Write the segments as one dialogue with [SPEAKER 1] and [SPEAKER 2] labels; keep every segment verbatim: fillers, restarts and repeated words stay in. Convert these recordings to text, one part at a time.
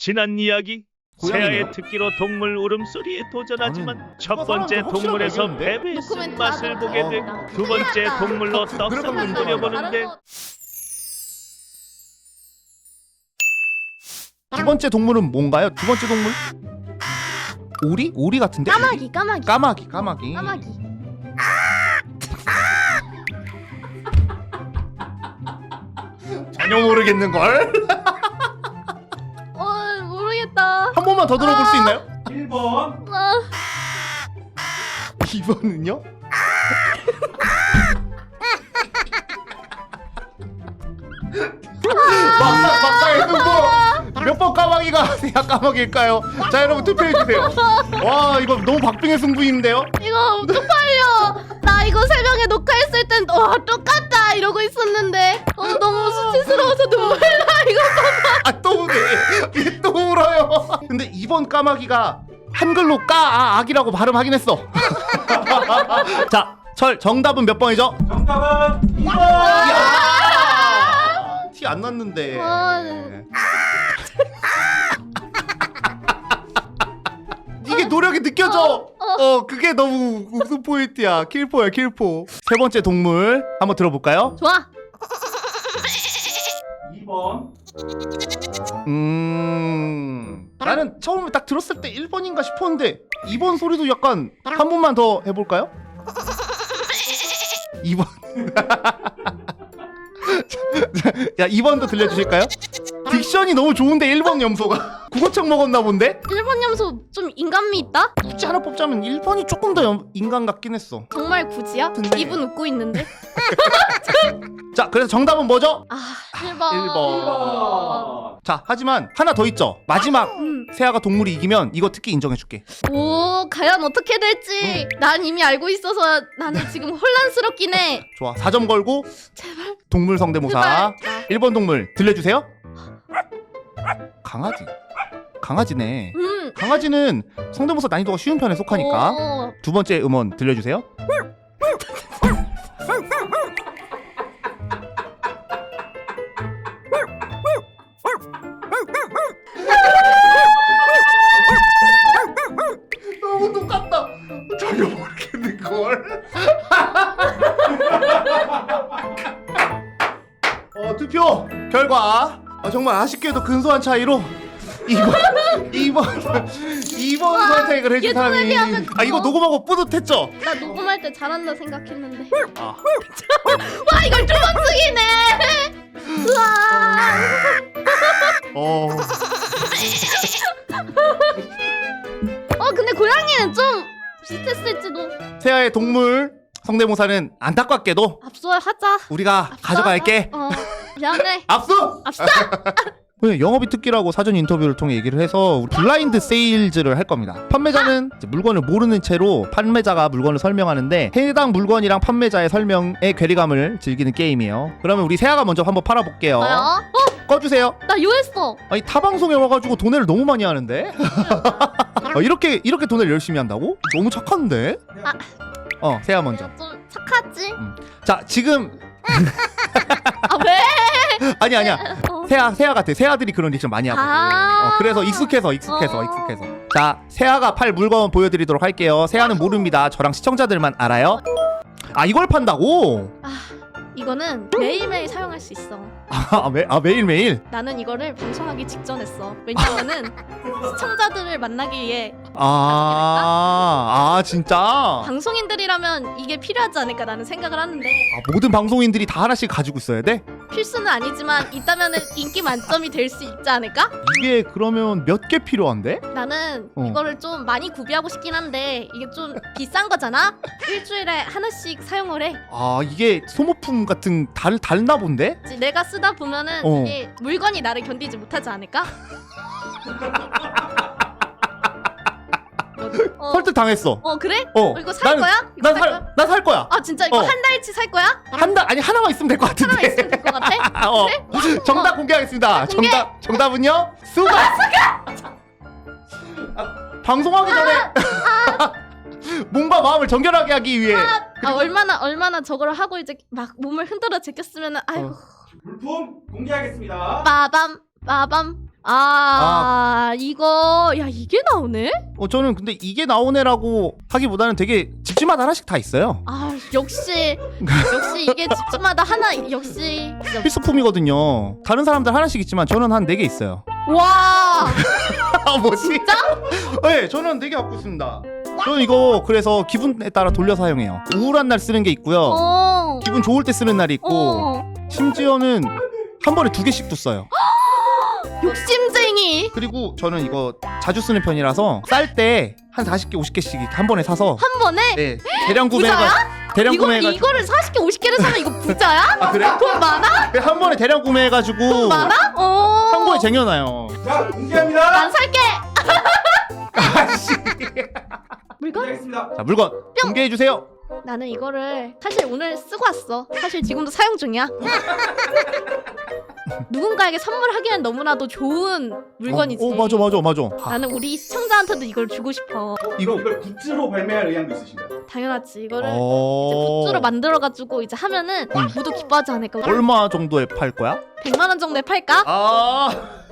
[SPEAKER 1] 지난 이야기
[SPEAKER 2] 고양이네요?
[SPEAKER 1] 새아의 특기로 동물 울음소리에 도전하지만
[SPEAKER 2] 나는
[SPEAKER 1] 첫
[SPEAKER 2] 누가
[SPEAKER 1] 번째
[SPEAKER 2] 사람한테
[SPEAKER 1] 동물에서
[SPEAKER 2] 확실하게
[SPEAKER 1] 패배의
[SPEAKER 3] 노코멘트
[SPEAKER 1] 쓴맛을
[SPEAKER 3] 하자.
[SPEAKER 1] 보게
[SPEAKER 2] 어.
[SPEAKER 1] 되고 두 번째
[SPEAKER 3] 큰일 났다.
[SPEAKER 1] 동물로 떡상을
[SPEAKER 2] 들어가면
[SPEAKER 1] 끓여보는데
[SPEAKER 2] 두 번째 동물은 뭔가요? 두 번째 동물? 오리? 오리 같은데?
[SPEAKER 3] 까마귀 까마귀
[SPEAKER 2] 까마귀 까마귀
[SPEAKER 3] 까마귀.
[SPEAKER 2] 전혀 모르겠는걸?
[SPEAKER 3] 어 모르겠다.
[SPEAKER 2] 한 번만 더 들어볼 수 있나요?
[SPEAKER 4] 일 번
[SPEAKER 3] 아,
[SPEAKER 2] 이 번은요? 막상 막상의 승부 몇 번 까마귀가 새야 까마귀일까요? 자 여러분 투표해주세요. 와 이거 너무 박빙의 승부인데요?
[SPEAKER 3] 이거 쪽팔려. 나 이거 새벽에 녹화했을 땐 와 똑같다 이러고 있었는데 어 너무 수치스러워서 눈물 나 이거.
[SPEAKER 2] 아또 우네 얘 또 울어요. 근데 이번 까마귀가 한글로 까 악이라고 발음하긴 했어. 자 철 정답은 몇 번이죠?
[SPEAKER 4] 정답은 이 번.
[SPEAKER 2] 티 안 났는데.
[SPEAKER 3] 아,
[SPEAKER 2] 이게 노력이 느껴져. 어 그게 너무 웃음 포인트야. 킬포야 킬포. 세 번째 동물 한번 들어볼까요?
[SPEAKER 3] 좋아.
[SPEAKER 4] 이 번
[SPEAKER 2] 음 나는 처음에 딱 들었을 때 일 번인가 싶었는데 이 번 소리도 약간 한 번만 더 해볼까요? 이 번. 야 이 번도 들려주실까요? 딕션이 너무 좋은데 일 번 염소가 국어책 먹었나 본데?
[SPEAKER 3] 일본 염소 좀 인간미 있다?
[SPEAKER 2] 굳이 하나 뽑자면 일 번이 조금 더 염- 인간 같긴 했어.
[SPEAKER 3] 정말 굳이야?
[SPEAKER 2] 근데-
[SPEAKER 3] 입은 웃고 있는데.
[SPEAKER 2] 자 그래서 정답은 뭐죠?
[SPEAKER 3] 아 일 번.
[SPEAKER 2] 일 번.
[SPEAKER 4] 일 번.
[SPEAKER 2] 자 하지만 하나 더 있죠. 마지막
[SPEAKER 3] 음.
[SPEAKER 2] 새아가 동물이 이기면 이거 특기 인정해줄게.
[SPEAKER 3] 오 과연 어떻게 될지 난 이미 알고 있어서 나는 지금 혼란스럽긴 해.
[SPEAKER 2] 좋아 사 점 걸고
[SPEAKER 3] 제발
[SPEAKER 2] 동물 성대모사
[SPEAKER 3] 제발.
[SPEAKER 2] 일 번 동물 들려주세요. 강아지 강아지네.
[SPEAKER 3] 음.
[SPEAKER 2] 강아지는 성대모사 난이도가 쉬운 편에 속하니까.
[SPEAKER 3] 오.
[SPEAKER 2] 두 번째 음원 들려주세요. 너무 똑같다. 전혀 모르겠는걸. 어, 투표 결과 어, 정말 아쉽게도 근소한 차이로 이 번 이 번 이 번 선택을 해준 사람이 아 이거 녹음하고 뿌듯했죠?
[SPEAKER 3] 나 녹음할 때 잘한다 생각했는데.
[SPEAKER 2] 아.
[SPEAKER 3] 와 이걸 두 번 쓰기네. 우와.
[SPEAKER 2] 어.
[SPEAKER 3] 어 근데 고양이는 좀 비슷했을지도.
[SPEAKER 2] 세아의 동물 성대모사는 안타깝게도
[SPEAKER 3] 압수하자.
[SPEAKER 2] 우리가 가져갈게.
[SPEAKER 3] 어 미안해.
[SPEAKER 2] 압수!
[SPEAKER 3] 압수.
[SPEAKER 2] 왜 영업이 특기라고 사전 인터뷰를 통해 얘기를 해서 우리 블라인드 세일즈를 할 겁니다. 판매자는 이제 물건을 모르는 채로 판매자가 물건을 설명하는데 해당 물건이랑 판매자의 설명의 괴리감을 즐기는 게임이에요. 그러면 우리 세아가 먼저 한번 팔아볼게요.
[SPEAKER 3] 뭐야? 어?
[SPEAKER 2] 꺼주세요.
[SPEAKER 3] 나 요했어.
[SPEAKER 2] 아니 타 방송에 와가지고 돈을 너무 많이 하는데? 어, 이렇게 이렇게 돈을 열심히 한다고? 너무 착한데?
[SPEAKER 3] 아.
[SPEAKER 2] 어 세아 먼저.
[SPEAKER 3] 좀 착하지?
[SPEAKER 2] 자 지금
[SPEAKER 3] 아 왜?
[SPEAKER 2] 아니 아니야.
[SPEAKER 3] 어.
[SPEAKER 2] 세아 세아 같아. 세아들이 그런 리액션 많이 하거든.
[SPEAKER 3] 아.
[SPEAKER 2] 어, 그래서 익숙해서 익숙해서
[SPEAKER 3] 어.
[SPEAKER 2] 익숙해서. 자 세아가 팔 물건 보여드리도록 할게요. 세아는 모릅니다. 저랑 시청자들만 알아요. 아 이걸 판다고?
[SPEAKER 3] 아 이거는 매일매일 사용할 수 있어.
[SPEAKER 2] 아, 매, 아 매일매일?
[SPEAKER 3] 나는 이거를 방송하기 직전 했어. 왜냐면은 시청자들을 만나기 위해
[SPEAKER 2] 아, 아 진짜?
[SPEAKER 3] 방송인들이라면 이게 필요하지 않을까 나는 생각을 하는데
[SPEAKER 2] 아, 모든 방송인들이 다 하나씩 가지고 있어야 돼?
[SPEAKER 3] 필수는 아니지만 있다면은 인기 만점이 될 수 있지 않을까?
[SPEAKER 2] 이게 그러면 몇 개 필요한데?
[SPEAKER 3] 나는
[SPEAKER 2] 어.
[SPEAKER 3] 이거를 좀 많이 구비하고 싶긴 한데 이게 좀 비싼 거잖아? 일주일에 하나씩 사용을 해.
[SPEAKER 2] 아 이게 소모품 같은 달, 달나 본데?
[SPEAKER 3] 이제 내가 쓰다 보면은
[SPEAKER 2] 어.
[SPEAKER 3] 이게 물건이 나를 견디지 못하지 않을까? 어,
[SPEAKER 2] 설득 당했어.
[SPEAKER 3] 어 그래?
[SPEAKER 2] 어.
[SPEAKER 3] 어, 이거 살
[SPEAKER 2] 나는-
[SPEAKER 3] 거야? 이거
[SPEAKER 2] 난
[SPEAKER 3] 살
[SPEAKER 2] 살,
[SPEAKER 3] 거야?
[SPEAKER 2] 난 살 거야.
[SPEAKER 3] 아 진짜 이거
[SPEAKER 2] 어.
[SPEAKER 3] 한 달치 살 거야?
[SPEAKER 2] 한 달, 아니 하나만 있으면 될 것 같은데.
[SPEAKER 3] 하나 있으면 될 것 같아?
[SPEAKER 2] 어.
[SPEAKER 3] 그래?
[SPEAKER 2] 정답 공개하겠습니다.
[SPEAKER 3] 아, 공개!
[SPEAKER 2] 정답 정답은요? 수박. 아, 방송하기 전에 몸과 마음을 정결하게 하기 위해.
[SPEAKER 3] 아 얼마나 얼마나 저걸 하고 이제 막 몸을 흔들어 제꼈으면은 아이고
[SPEAKER 2] 어.
[SPEAKER 4] 물품 공개하겠습니다.
[SPEAKER 3] 빠밤 빠밤 아, 야 이거 야 이게 나오네?
[SPEAKER 2] 어 저는 근데 이게 나오네라고 하기보다는 되게 집집마다 하나씩 다 있어요.
[SPEAKER 3] 아 역시 역시 이게 집집마다 하나 역시 진짜.
[SPEAKER 2] 필수품이거든요. 다른 사람들 하나씩 있지만 저는 한 네 개 있어요.
[SPEAKER 3] 와
[SPEAKER 2] 아 뭐지?
[SPEAKER 3] 진짜?
[SPEAKER 2] 네, 저는 네 개 갖고 있습니다. 저는 이거 그래서 기분에 따라 돌려 사용해요. 우울한 날 쓰는 게 있고요.
[SPEAKER 3] 어.
[SPEAKER 2] 기분 좋을 때 쓰는 날이 있고
[SPEAKER 3] 어.
[SPEAKER 2] 심지어는 한 번에 두 개씩도 써요.
[SPEAKER 3] 욕심쟁이.
[SPEAKER 2] 그리고 저는 이거 자주 쓰는 편이라서 쌀 때 한 사십 개, 오십 개씩 한 번에 사서
[SPEAKER 3] 한 번에?
[SPEAKER 2] 네, 대량 구매가 대량
[SPEAKER 3] 이거
[SPEAKER 2] 구매가
[SPEAKER 3] 이거를 사십 개 오십 개를 사면 이거 부자야?
[SPEAKER 2] 아 그래?
[SPEAKER 3] 돈 많아?
[SPEAKER 2] 한 번에 대량 구매해가지고
[SPEAKER 3] 돈 많아? 어.
[SPEAKER 2] 창고에 쟁여놔요.
[SPEAKER 4] 자, 공개합니다.
[SPEAKER 3] 난 살게. 물건?
[SPEAKER 4] 공개하겠습니다.
[SPEAKER 2] 자 물건 공개해 주세요.
[SPEAKER 3] 나는 이거를 사실 오늘 쓰고 왔어. 사실 지금도 사용 중이야. 누군가에게 선물하기엔 너무나도 좋은 물건이지.
[SPEAKER 2] 어, 어 맞아 맞아 맞아. 아,
[SPEAKER 3] 나는 우리 시청자한테도 이걸 주고 싶어.
[SPEAKER 2] 이거
[SPEAKER 4] 이걸 굿즈로 발매할 의향도 있으신가요?
[SPEAKER 3] 당연하지. 이거를 이제
[SPEAKER 2] 어...
[SPEAKER 3] 굿즈로 만들어가지고 이제 하면은
[SPEAKER 2] 음.
[SPEAKER 3] 모두 기뻐하지 않을까.
[SPEAKER 2] 얼마 정도에 팔 거야?
[SPEAKER 3] 백만 원 정도에 팔까?
[SPEAKER 2] 아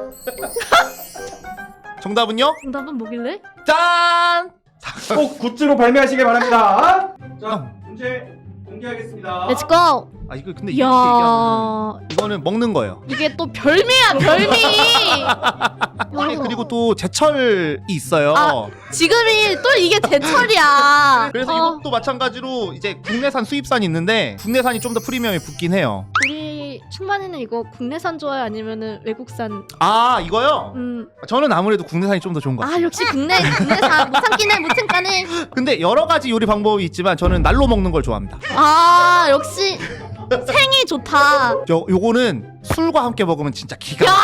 [SPEAKER 2] 정답은요?
[SPEAKER 3] 정답은 뭐길래?
[SPEAKER 2] 짠!
[SPEAKER 4] 꼭 굿즈로 발매하시길 바랍니다. 자,
[SPEAKER 2] 어.
[SPEAKER 4] 문제 공개하겠습니다.
[SPEAKER 3] 렛츠고!
[SPEAKER 2] 아 이거 근데 이렇게 얘기하면
[SPEAKER 3] 이야
[SPEAKER 2] 이거는 먹는 거예요.
[SPEAKER 3] 이게 또 별미야 별미.
[SPEAKER 2] 아니 그리고 또 제철이 있어요.
[SPEAKER 3] 아, 지금이 또 이게 제철이야.
[SPEAKER 2] 그래서
[SPEAKER 3] 어,
[SPEAKER 2] 이것도 마찬가지로 이제 국내산 수입산이 있는데 국내산이 좀 더 프리미엄이 붙긴 해요.
[SPEAKER 3] 우리 충만이는 이거 국내산 좋아요 아니면은 외국산?
[SPEAKER 2] 아 이거요?
[SPEAKER 3] 음.
[SPEAKER 2] 저는 아무래도 국내산이 좀 더 좋은 것 같아요.
[SPEAKER 3] 아 역시 국내 국내산 못 참기네 못 참가네.
[SPEAKER 2] 근데 여러 가지 요리 방법이 있지만 저는 날로 먹는 걸 좋아합니다.
[SPEAKER 3] 아 역시 생이 좋다.
[SPEAKER 2] 저 요거는 술과 함께 먹으면 진짜 기가
[SPEAKER 3] 야!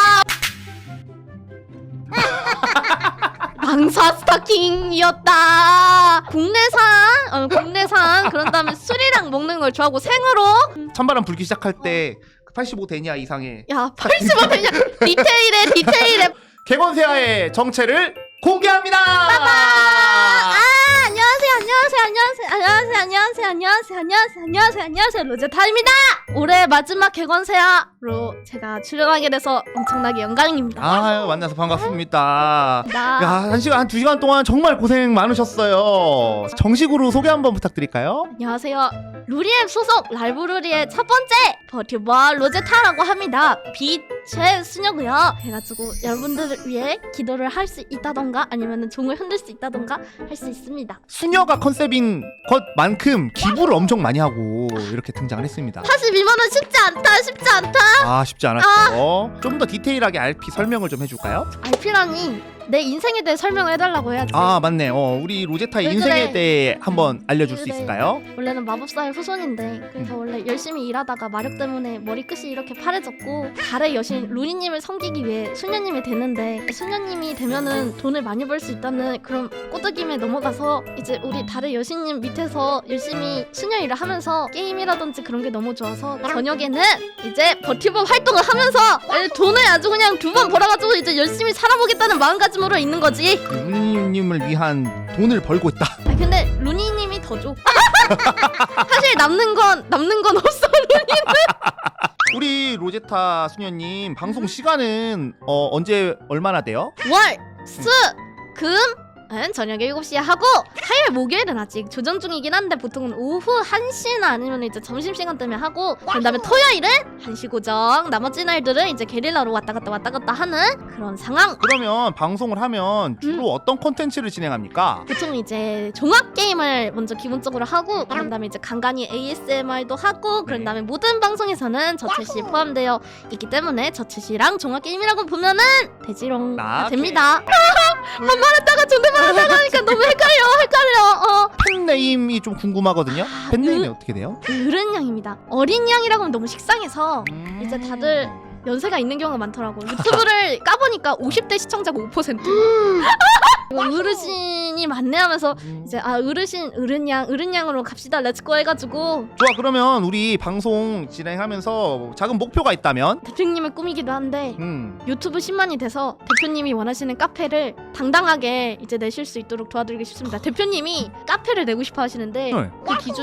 [SPEAKER 3] 방사 스타킹이었다. 국내산, 어, 국내산. 그런 다음에 술이랑 먹는 걸 좋아하고 생으로.
[SPEAKER 2] 찬바람 불기 시작할 때 팔십오 대냐 이상의
[SPEAKER 3] 야, 팔십오 되냐? 디테일에 디테일에.
[SPEAKER 2] 객원세아의 정체를 공개합니다.
[SPEAKER 3] 아, 안녕하세요, 안녕하세요, 안녕하세요, 안녕하세요, 안녕하세요, 안녕하세요, 안녕하세요, 안녕하세요, 안녕하세요, 로제타입니다. 올해 마지막 객원세아로 제가 출연하게 돼서 엄청나게 영광입니다.
[SPEAKER 2] 아유 만나서 반갑습니다.
[SPEAKER 3] 나
[SPEAKER 2] 야, 한 시간, 한 두 시간 동안 정말 고생 많으셨어요. 정식으로 소개 한번 부탁드릴까요?
[SPEAKER 3] 안녕하세요. 루리앱 소속 라이브루리의 첫 번째 버튜버 로제타라고 합니다. 빛의 수녀고요. 그래가지고 여러분들을 위해 기도를 할 수 있다던가 아니면 종을 흔들 수 있다던가 할 수 있습니다.
[SPEAKER 2] 수녀가 컨셉인 것만큼 기부를 엄청 많이 하고 이렇게 등장을 했습니다.
[SPEAKER 3] 사십이만 원 쉽지 않다, 쉽지 않다.
[SPEAKER 2] 아 쉽지 않았죠. 좀 더 디테일하게 알피 설명을 좀 해줄까요?
[SPEAKER 3] 알피라니 내 인생에 대해 설명을 해달라고 해야지.
[SPEAKER 2] 아 맞네. 어, 우리 로제타의
[SPEAKER 3] 왜
[SPEAKER 2] 인생에
[SPEAKER 3] 그래?
[SPEAKER 2] 대해 한번 알려줄 수
[SPEAKER 3] 그래.
[SPEAKER 2] 있을까요?
[SPEAKER 3] 원래는 마법사의 후손인데 그래서 원래 열심히 일하다가 마력 때문에 머리끝이 이렇게 파래졌고 달의 여신 루니님을 섬기기 위해 수녀님이 됐는데 수녀님이 되면은 돈을 많이 벌 수 있다는 그런 꼬드김에 넘어가서 이제 우리 달의 여신님 밑에서 열심히 수녀 일을 하면서 게임이라든지 그런 게 너무 좋아서 저녁에는 이제 버티버 활동을 하면서 돈을 아주 그냥 두 번 벌어가지고 이제 열심히 살아보겠다는 마음가짐으로 있는 거지.
[SPEAKER 2] 루니님을 위한 돈을 벌고 있다.
[SPEAKER 3] 아 근데 루니님이 더 줘. 사실 남는 건 남는 건 없어.
[SPEAKER 2] 우리 로제타 수녀님 방송 시간은 어, 언제 얼마나 돼요?
[SPEAKER 3] 월, 수, 금. 은 저녁에 일곱 시에 하고 화요일 목요일은 아직 조정 중이긴 한데 보통은 오후 한 시나 아니면 이제 점심시간 때문에 하고 그 다음에 토요일은 한 시 고정 나머지 날들은 이제 게릴라로 왔다 갔다 왔다 갔다 하는 그런 상황.
[SPEAKER 2] 그러면 방송을 하면 주로 어떤 콘텐츠를 진행합니까?
[SPEAKER 3] 보통 이제 종합 게임을 먼저 기본적으로 하고 그런 다음에 이제 간간히 에이에스엠알도 하고 그런 다음에 모든 방송에서는 저챗이 포함되어 있기 때문에 저챗이랑 종합 게임이라고 보면은 되지롱
[SPEAKER 2] 아,
[SPEAKER 3] 됩니다. 한 말했다가 존댓말 하다가 하니까 너무 헷갈려 헷갈려. 어
[SPEAKER 2] 팬네임이 좀 궁금하거든요. 팬네임이
[SPEAKER 3] 으-
[SPEAKER 2] 어떻게 돼요?
[SPEAKER 3] 어른 양입니다. 어린 양이라고 하면 너무 식상해서
[SPEAKER 2] 음.
[SPEAKER 3] 이제 다들 연세가 있는 경우가 많더라고. 유튜브를 까보니까 오십 대 시청자가 오 퍼센트. 이거 어르신이 많네 하면서 이제 아 어르신 어른양 어른양으로 갑시다 렛츠고 해가지고
[SPEAKER 2] 좋아 그러면 우리 방송 진행하면서 작은 목표가 있다면
[SPEAKER 3] 대표님의 꿈이기도 한데
[SPEAKER 2] 음.
[SPEAKER 3] 유튜브 십만이 돼서 대표님이 원하시는 카페를 당당하게 이제 내실 수 있도록 도와드리고 싶습니다. 대표님이 카페를 내고 싶어 하시는데
[SPEAKER 2] 네.
[SPEAKER 3] 그 기준이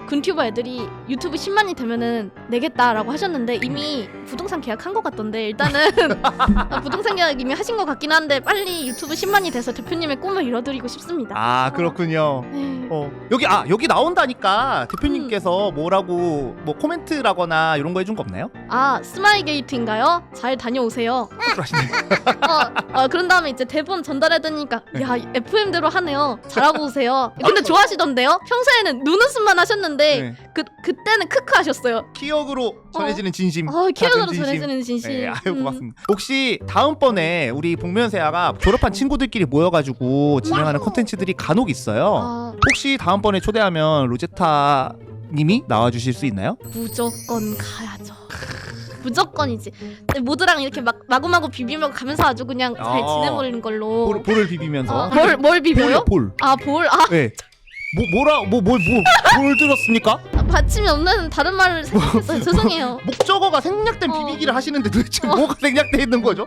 [SPEAKER 3] 군튜버 애들이 유튜브 십만이 되면은 내겠다라고 하셨는데 이미 부동산 계약한 것 같던데 일단은 아, 부동산 계약 이미 하신 것 같긴 한데 빨리 유튜브 십만이 돼서 대표님의 꿈을 이뤄드리고 싶습니다.
[SPEAKER 2] 아 그렇군요.
[SPEAKER 3] 네.
[SPEAKER 2] 어 여기 아 여기 나온다니까 대표님께서 뭐라고 뭐 코멘트라거나 이런 거 해준 거 없나요?
[SPEAKER 3] 아 스마일 게이트인가요? 잘 다녀오세요.
[SPEAKER 2] 그러시네.
[SPEAKER 3] 어, 어 그런 다음에 이제 대본 전달해드리니까 야 에프엠대로 하네요. 잘하고 오세요. 근데 좋아하시던데요? 평소에는 눈웃음만 하셨는데
[SPEAKER 2] 네.
[SPEAKER 3] 그 그때는 크크 하셨어요.
[SPEAKER 2] 키역으로 전해지는 진심.
[SPEAKER 3] 어 키워드로
[SPEAKER 2] 작은 진심.
[SPEAKER 3] 전해지는 진심.
[SPEAKER 2] 네, 아유
[SPEAKER 3] 음.
[SPEAKER 2] 고맙습니다. 혹시 다음번에 우리 복면세아가 졸업한 친구들끼리 모여가지고 진행하는 컨텐츠들이 간혹 있어요.
[SPEAKER 3] 아
[SPEAKER 2] 혹시 다음번에 초대하면 로제타 님이 나와주실 수 있나요?
[SPEAKER 3] 무조건 가야죠. 무조건이지. 근데 모두랑 이렇게 막 마구마구 비비며 가면서 아주 그냥 잘
[SPEAKER 2] 아.
[SPEAKER 3] 지내버리는 걸로.
[SPEAKER 2] 볼, 볼을 비비면서.
[SPEAKER 3] 어, 뭘, 뭘 비벼요?
[SPEAKER 2] 볼. 볼.
[SPEAKER 3] 아 볼? 아
[SPEAKER 2] 네. 뭐 뭐라 뭐뭘뭘 뭘 들었습니까?
[SPEAKER 3] 받침이 없는 다른 말을 생각했어요. 죄송해요.
[SPEAKER 2] 목적어가 생략된
[SPEAKER 3] 어.
[SPEAKER 2] 비비기를 하시는데 도대체
[SPEAKER 3] 어.
[SPEAKER 2] 뭐가 생략돼 있는 거죠?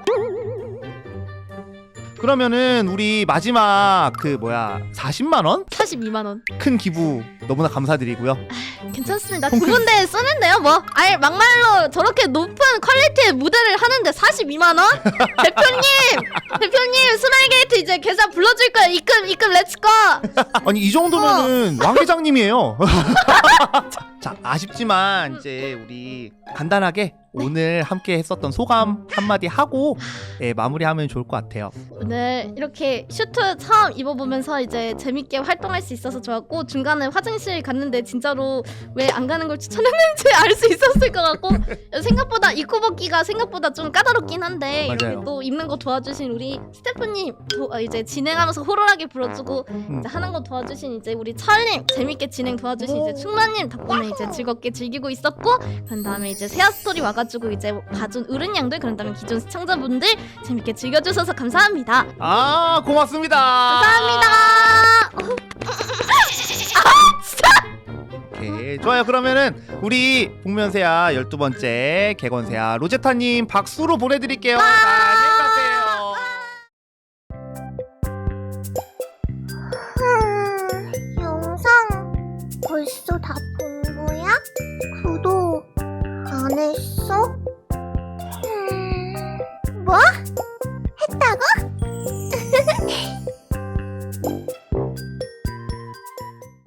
[SPEAKER 2] 그러면은 우리 마지막 그 뭐야 사십만 원?
[SPEAKER 3] 사십이만 원.
[SPEAKER 2] 큰 기부 너무나 감사드리고요.
[SPEAKER 3] 괜찮습니다. 두 군데 쓰면 돼요 뭐. 아예 막말로 저렇게 높은 퀄리티의 무대를 하는데 사십이만 원? 대표님! 대표님 스마일게이트 이제 계좌 불러줄 거예요. 입금 입금 렛츠고!
[SPEAKER 2] 아니 이 정도면은 왕 회장님이에요. 자 아쉽지만 이제 우리 간단하게 오늘 함께 했었던 소감 한마디 하고 예, 마무리하면 좋을 것 같아요.
[SPEAKER 3] 오늘 이렇게 슈트 처음 입어보면서 이제 재밌게 활동할 수 있어서 좋았고 중간에 화장실 갔는데 진짜로 왜 안 가는 걸 추천했는지 알 수 있었을 것 같고 생각보다 입고 벗기가 생각보다 좀 까다롭긴 한데
[SPEAKER 2] 맞아요.
[SPEAKER 3] 이렇게 또 입는 거 도와주신 우리 스태프님 도, 어, 이제 진행하면서 호롤하게 불러주고
[SPEAKER 2] 음.
[SPEAKER 3] 이제 하는 거 도와주신 이제 우리 철님 재밌게 진행 도와주신 이제 충만님 덕분에 이제 즐겁게 즐기고 있었고 그런 다음에 이제 세아 스토리 와가지고 이제 봐준 어른 양들 그런 다음에 기존 시청자분들 재밌게 즐겨주셔서 감사합니다.
[SPEAKER 2] 아 고맙습니다.
[SPEAKER 3] 감사합니다.
[SPEAKER 2] 오케이 좋아요. 그러면은 우리 복면세아 열두 번째 개건세아 로제타님 박수로 보내드릴게요. 자,